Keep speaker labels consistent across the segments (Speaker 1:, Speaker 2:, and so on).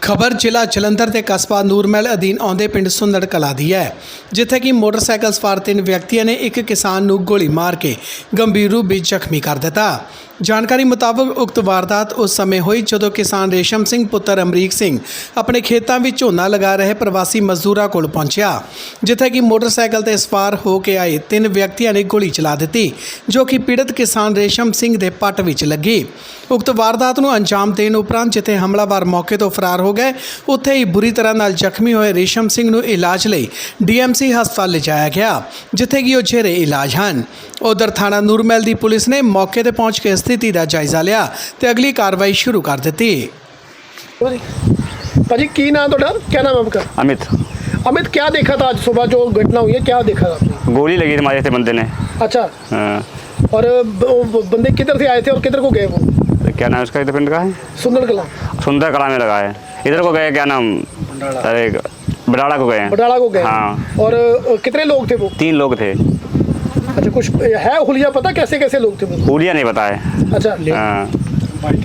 Speaker 1: ਖਬਰ ਜ਼ਿਲ੍ਹਾ ਜਲੰਧਰ ਦੇ ਕਸਬਾ ਨੂਰਮਹਿਲ ਅਧੀਨ ਆਉਂਦੇ ਪਿੰਡ ਸੁੰਦੜ ਕਲਾਂ ਦੀ ਹੈ, ਜਿੱਥੇ ਕਿ ਮੋਟਰਸਾਈਕਲ ਸਵਾਰ ਤਿੰਨ ਵਿਅਕਤੀਆਂ ਨੇ ਇੱਕ ਕਿਸਾਨ ਨੂੰ ਗੋਲੀ ਮਾਰ ਕੇ ਗੰਭੀਰ ਰੂਪ ਵਿੱਚ ਜ਼ਖਮੀ ਕਰ ਦਿੱਤਾ। ਜਾਣਕਾਰੀ ਮੁਤਾਬਕ ਉਕਤ ਵਾਰਦਾਤ ਉਸ ਸਮੇਂ ਹੋਈ ਜਦੋਂ ਕਿਸਾਨ ਰੇਸ਼ਮ ਸਿੰਘ ਪੁੱਤਰ ਅਮਰੀਕ ਸਿੰਘ ਆਪਣੇ ਖੇਤਾਂ ਵਿੱਚ ਝੋਨਾ ਲਗਾ ਰਹੇ ਪ੍ਰਵਾਸੀ ਮਜ਼ਦੂਰਾਂ ਕੋਲ ਪਹੁੰਚਿਆ, ਜਿੱਥੇ ਕਿ ਮੋਟਰਸਾਈਕਲ ਤੇ ਸਵਾਰ ਹੋ ਕੇ ਆਏ ਤਿੰਨ ਵਿਅਕਤੀਆਂ ਨੇ ਗੋਲੀ ਚਲਾ ਦਿੱਤੀ, ਜੋ ਕਿ ਪੀੜਤ ਕਿਸਾਨ ਰੇਸ਼ਮ ਸਿੰਘ ਦੇ ਪੱਟ ਵਿੱਚ ਲੱਗੀ। ਉਕਤ ਵਾਰਦਾਤ ਨੂੰ ਅੰਜਾਮ ਦੇਣ ਉਪਰੰਤ ਜਿੱਥੇ ਹਮਲਾਵਰ ਮੌਕੇ ਤੋਂ ਫਰਾਰ ਹੋ ਗਏ, ਉੱਥੇ ਹੀ ਬੁਰੀ ਤਰ੍ਹਾਂ ਨਾਲ ਜ਼ਖਮੀ ਹੋਏ ਰੇਸ਼ਮ ਸਿੰਘ ਨੂੰ ਇਲਾਜ ਲਈ DMC ਹਸਪਤਾਲ ਲਿਜਾਇਆ ਗਿਆ, ਜਿੱਥੇ ਕਿ ਉਹ ਜੇਰੇ ਇਲਾਜ ਹਨ। ਉਧਰ ਥਾਣਾ ਨੂਰਮਹਿਲ ਦੀ ਪੁਲਿਸ ਨੇ ਮੌਕੇ ਤੇ पहुंच के स्थिति का जायजा लिया तो अगली कार्रवाई शुरू कर दी।
Speaker 2: भाजी की नाम तो क्या नाम है आपका?
Speaker 3: अमित।
Speaker 2: अमित, क्या देखा था आज सुबह जो घटना हुई है, क्या देखा था आपने?
Speaker 3: गोली लगी थी हमारे थे बंदे ने।
Speaker 2: अच्छा।
Speaker 3: हाँ।
Speaker 2: और बंदे किधर से आए थे और किधर को गए वो?
Speaker 3: क्या नाम उसका? इधर पिंड का है
Speaker 2: सुंदर कला।
Speaker 3: सुंदर कला में लगा है। इधर को गए, क्या नाम, अरे बडाला को गए।
Speaker 2: बडाला को गए।
Speaker 3: हाँ।
Speaker 2: और कितने लोग थे वो?
Speaker 3: 3 लोग थे।
Speaker 2: अच्छा, कुछ है हुलिया पता कैसे कैसे लोग थे वो?
Speaker 3: हुलिया नहीं पता है।
Speaker 2: अच्छा।
Speaker 3: हाँ। बाइक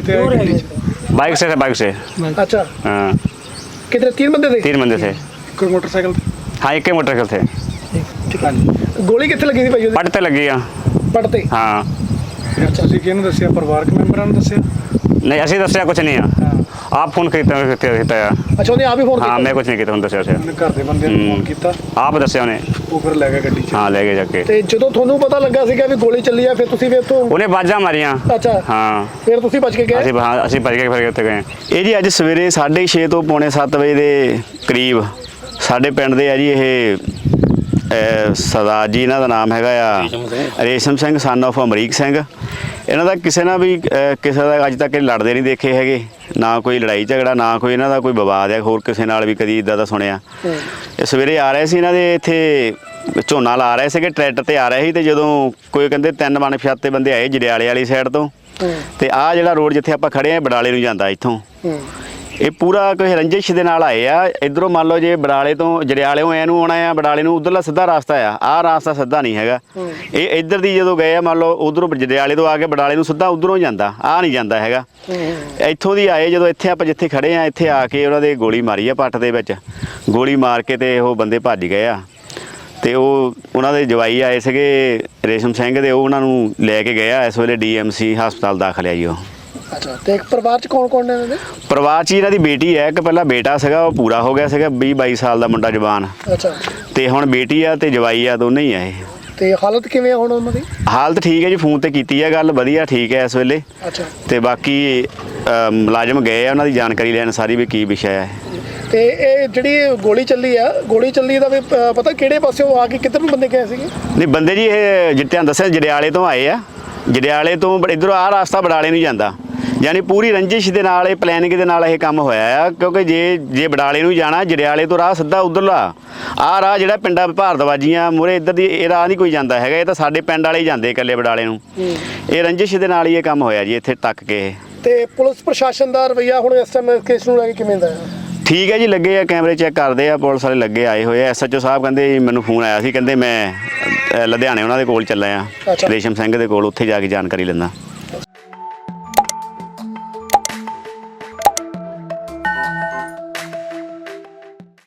Speaker 3: से थे, बाइक से।
Speaker 2: अच्छा।
Speaker 3: हाँ।
Speaker 2: कितने? 3 बंदे थे?
Speaker 3: 3 बंदे थे।
Speaker 2: कोई मोटरसाइकिल?
Speaker 3: हाँ, एक ही मोटरसाइकिल थे।
Speaker 2: गोली कितने लगी थी भाई?
Speaker 3: पट ते लगी।
Speaker 2: पट ते?
Speaker 3: हाँ।
Speaker 2: ਤੁਸੀਂ ਕਿਹਨੂੰ ਦੱਸਿਆ? ਪਰਿਵਾਰਕ ਮੈਂਬਰਾਂ ਨੂੰ ਦੱਸਿਆ?
Speaker 3: नहीं, असं दसिया कुछ नहीं है। आप फोन किया?
Speaker 2: ਅੱਛਾ, ਉਹਨੇ ਆਪ ਹੀ ਫੋਨ ਕੀਤਾ?
Speaker 3: हाँ, मैं कुछ नहीं किया, दसिया उसे।
Speaker 2: ਘਰ ਦੇ ਬੰਦੇ ਨੂੰ ਫੋਨ ਕੀਤਾ?
Speaker 3: आप दसिया उन्हें।
Speaker 2: ਉਹ ਫਿਰ ਲੈ ਗਿਆ ਗੱਡੀ 'ਚ?
Speaker 3: हाँ, ले गए जाके।
Speaker 2: ਤੇ ਜਦੋਂ ਤੁਹਾਨੂੰ ਪਤਾ ਲੱਗਾ ਸੀਗਾ ਵੀ ਗੋਲੀ ਚੱਲੀ ਆ, ਫਿਰ ਤੁਸੀਂ ਫਿਰ ਤੋਂ?
Speaker 3: उन्हें बाजा मारिया।
Speaker 2: ਅੱਛਾ।
Speaker 3: हाँ।
Speaker 2: ਫਿਰ ਤੁਸੀਂ ਬਚ ਕੇ ਗਏ?
Speaker 3: ਅਸੀਂ ਭੱਜ ਕੇ ਫਿਰ ਉੱਥੇ ਗਏ।
Speaker 4: ਇਹ ਜੀ ਅੱਜ ਸਵੇਰੇ 6:30 ਤੋਂ ਪੌਣੇ 7 ਵਜੇ ਦੇ ਕਰੀਬ ਸਾਡੇ ਪਿੰਡ ਦੇ ਆ ਜੀ ਇਹ ਸਰਦਾਰ ਜੀ, ਇਹਨਾਂ ਦਾ ਨਾਮ ਹੈਗਾ ਆ ਰੇਸ਼ਮ ਸਿੰਘ ਸਨ ਆਫ ਅਮਰੀਕ ਸਿੰਘ। ਇਹਨਾਂ ਦਾ ਕਿਸੇ ਨਾਲ ਵੀ ਕਿਸੇ ਦਾ ਅੱਜ ਤੱਕ ਲੜਦੇ ਨਹੀਂ ਦੇਖੇ ਹੈਗੇ, ਨਾ ਕੋਈ ਲੜਾਈ ਝਗੜਾ, ਨਾ ਕੋਈ ਇਹਨਾਂ ਦਾ ਕੋਈ ਵਿਵਾਦ ਹੈ ਹੋਰ ਕਿਸੇ ਨਾਲ ਵੀ ਕਦੀ ਇੱਦਾਂ ਦਾ ਸੁਣਿਆ। ਇਹ ਸਵੇਰੇ ਆ ਰਹੇ ਸੀ, ਇਹਨਾਂ ਦੇ ਇੱਥੇ ਝੋਨਾ ਲਾ ਰਹੇ ਸੀਗੇ, ਟਰੈਕਟਰ ਤੇ ਆ ਰਹੇ ਸੀ, ਤੇ ਜਦੋਂ ਕੋਈ ਕਹਿੰਦੇ 3 ਅਣਪਛਾਤੇ ਬੰਦੇ ਆਏ ਜੜਿਆਲੇ ਵਾਲੀ ਸਾਈਡ ਤੋਂ, ਤੇ ਆਹ ਜਿਹੜਾ ਰੋਡ ਜਿੱਥੇ ਆਪਾਂ ਖੜੇ ਆ ਬਡਾਲੇ ਨੂੰ ਜਾਂਦਾ ਇੱਥੋਂ, ਇਹ ਪੂਰਾ ਕੋਈ ਰੰਜਿਸ਼ ਦੇ ਨਾਲ ਆਏ ਆ। ਇਧਰੋਂ ਮੰਨ ਲਓ ਜੇ ਬਡਾਲੇ ਤੋਂ ਜੜਿਆਲਿਓਂ ਐਨੂੰ ਆਉਣਾ ਆ, ਬਡਾਲੇ ਨੂੰ ਉਧਰਲਾ ਸਿੱਧਾ ਰਸਤਾ ਆ, ਆਹ ਰਸਤਾ ਸਿੱਧਾ ਨਹੀਂ ਹੈਗਾ। ਇਹ ਇੱਧਰ ਦੀ ਜਦੋਂ ਗਏ ਆ, ਮੰਨ ਲਓ ਉਧਰੋਂ ਜੜਿਆਲੇ ਤੋਂ ਆ ਕੇ ਬਡਾਲੇ ਨੂੰ ਸਿੱਧਾ ਉਧਰੋਂ ਜਾਂਦਾ, ਆਹ ਨਹੀਂ ਜਾਂਦਾ ਹੈਗਾ। ਇੱਥੋਂ ਦੀ ਆਏ, ਜਦੋਂ ਇੱਥੇ ਆਪਾਂ ਜਿੱਥੇ ਖੜੇ ਆ ਇੱਥੇ ਆ ਕੇ ਉਹਨਾਂ ਦੇ ਗੋਲੀ ਮਾਰੀ ਆ ਪੱਟ ਦੇ ਵਿੱਚ, ਗੋਲੀ ਮਾਰ ਕੇ ਤੇ ਉਹ ਬੰਦੇ ਭੱਜ ਗਏ ਆ। ਤੇ ਉਹਨਾਂ ਦੇ ਜਵਾਈ ਆਏ ਸੀਗੇ ਰੇਸ਼ਮ ਸਿੰਘ ਦੇ, ਉਹ ਉਹਨਾਂ ਨੂੰ ਲੈ ਕੇ ਗਏ ਆ। ਇਸ ਵੇਲੇ DMC ਹਸਪਤਾਲ ਦਾਖਲ ਆ ਜੀ ਉਹ।
Speaker 2: ਅੱਛਾ। ਤੇ ਪਰਿਵਾਰ ਚ ਕੌਣ ਕੌਣ ਨੇ ਇਹਨਾਂ ਦੇ?
Speaker 4: ਪਰਿਵਾਰ 'ਚ ਇਹਨਾਂ ਦੀ ਬੇਟੀ ਹੈ, ਇੱਕ ਪਹਿਲਾਂ ਬੇਟਾ ਸੀਗਾ, ਉਹ ਪੂਰਾ ਹੋ ਗਿਆ ਸੀਗਾ 20-22 ਸਾਲ ਦਾ ਮੁੰਡਾ ਜਵਾਨ।
Speaker 2: ਅੱਛਾ।
Speaker 4: ਤੇ ਹੁਣ ਬੇਟੀ ਆ ਤੇ ਜਵਾਈ ਆ, ਦੋਨੇ ਹੀ ਆ ਇਹ।
Speaker 2: ਤੇ ਹਾਲਤ ਕਿਵੇਂ ਆ ਹੁਣ ਉਹਨਾਂ ਦੀ?
Speaker 4: ਹਾਲਤ ਠੀਕ ਹੈ ਜੀ, ਫੋਨ ਤੇ ਕੀਤੀ ਹੈ ਗੱਲ, ਵਧੀਆ ਠੀਕ ਹੈ ਇਸ ਵੇਲੇ।
Speaker 2: ਅੱਛਾ।
Speaker 4: ਤੇ ਬਾਕੀ ਮੁਲਾਜ਼ਮ ਗਏ ਆ ਉਹਨਾਂ ਦੀ ਜਾਣਕਾਰੀ ਲੈਣ ਸਾਰੀ ਵੀ ਕੀ ਵਿਸ਼ਾ ਹੈ।
Speaker 2: ਤੇ ਇਹ ਜਿਹੜੀ ਗੋਲੀ ਚੱਲੀ ਆ, ਗੋਲੀ ਚੱਲੀ ਦਾ ਵੀ ਪਤਾ ਕਿਹੜੇ ਪਾਸਿਓਂ ਆ ਕੇ ਕਿੱਧਰ ਨੂੰ ਬੰਦੇ ਗਏ ਸੀਗੇ?
Speaker 4: ਨਹੀਂ, ਬੰਦੇ ਜੀ ਇਹ ਜਿੱਤਿਆਂ ਦੱਸਿਆ ਜੜਿਆਲੇ ਤੋਂ ਆਏ ਆ, ਜੜਿਆਲੇ ਤੋਂ ਇੱਧਰੋਂ ਆਹ ਰਸਤਾ ਬਡਾਲੇ ਨੂੰ ਜਾਂਦਾ, ਯਾਨੀ ਪੂਰੀ ਰੰਜਿਸ਼ ਦੇ ਨਾਲ ਇਹ ਪਲੈਨਿੰਗ ਦੇ ਨਾਲ ਇਹ ਕੰਮ ਹੋਇਆ ਆ। ਕਿਉਂਕਿ ਜੇ ਬਡਾਲੇ ਨੂੰ ਜਾਣਾ, ਜੜਿਆਲੇ ਤੋਂ ਰਾਹ ਸਿੱਧਾ ਉਧਰਲਾ ਆਹ ਰਾਹ ਜਿਹੜਾ ਪਿੰਡਾਂ ਭਾਰਤਵਾਜੀਆਂ ਮੂਹਰੇ ਇੱਧਰ ਦੀ ਇਹ ਰਾਹ ਨਹੀਂ ਕੋਈ ਜਾਂਦਾ ਹੈਗਾ, ਇਹ ਤਾਂ ਸਾਡੇ ਪਿੰਡ ਵਾਲੇ ਹੀ ਜਾਂਦੇ ਇਕੱਲੇ ਬਡਾਲੇ ਨੂੰ। ਇਹ ਰੰਜਿਸ਼ ਦੇ ਨਾਲ ਹੀ ਇਹ ਕੰਮ ਹੋਇਆ ਜੀ ਇੱਥੇ ਤੱਕ ਕੇ।
Speaker 2: ਤੇ ਪੁਲਿਸ ਪ੍ਰਸ਼ਾਸਨ ਦਾ ਰਵੱਈਆ ਹੁਣ ਇਸ ਟਾਈਮ ਕੇਸ ਨੂੰ ਲੈ ਕੇ ਕਿਵੇਂ ਦਾ ਹੈ?
Speaker 4: ਠੀਕ ਹੈ ਜੀ, ਲੱਗੇ ਆ ਕੈਮਰੇ ਚੈੱਕ ਕਰਦੇ ਆ, ਪੁਲਿਸ ਵਾਲੇ ਲੱਗੇ ਆਏ ਹੋਏ ਆ। SHO ਸਾਹਿਬ ਕਹਿੰਦੇ ਜੀ ਮੈਨੂੰ ਫੋਨ ਆਇਆ ਸੀ, ਕਹਿੰਦੇ ਮੈਂ ਲੁਧਿਆਣੇ ਉਹਨਾਂ ਦੇ ਕੋਲ ਚੱਲਿਆ ਆ, ਰੇਸ਼ਮ ਸਿੰਘ ਦੇ ਕੋਲ, ਉੱਥੇ ਜਾ ਕੇ ਜਾਣਕਾਰੀ ਲੈਂਦਾ।